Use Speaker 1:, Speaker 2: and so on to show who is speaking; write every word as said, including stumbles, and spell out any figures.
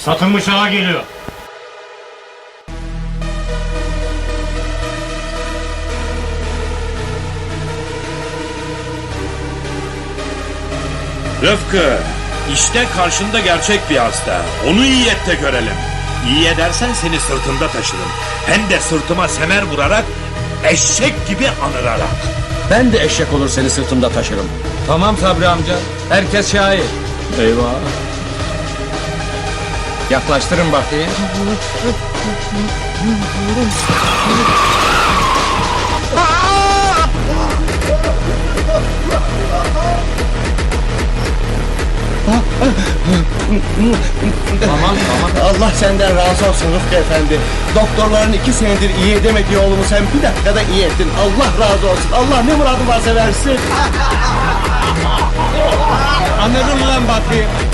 Speaker 1: Satılmış ağa geliyor.
Speaker 2: Rıfkı, işte karşında gerçek bir hasta. Onu iyi et de görelim. İyi edersen seni sırtımda taşırım. Hem de sırtıma semer vurarak, eşek gibi anırarak.
Speaker 3: Ben de eşek olur seni sırtımda taşırım.
Speaker 4: Tamam Sabri amca. Herkes şahit.
Speaker 3: Eyvah.
Speaker 4: Yaklaştırın bakayım. Tamam tamam.
Speaker 3: Allah senden razı olsun Rıfkı Efendi. Doktorların iki senedir iyi edemediği oğlumu sen bir dakikada iyi ettin. Allah razı olsun. Allah ne muradın varsa versin.
Speaker 4: Anladın lan bakayım.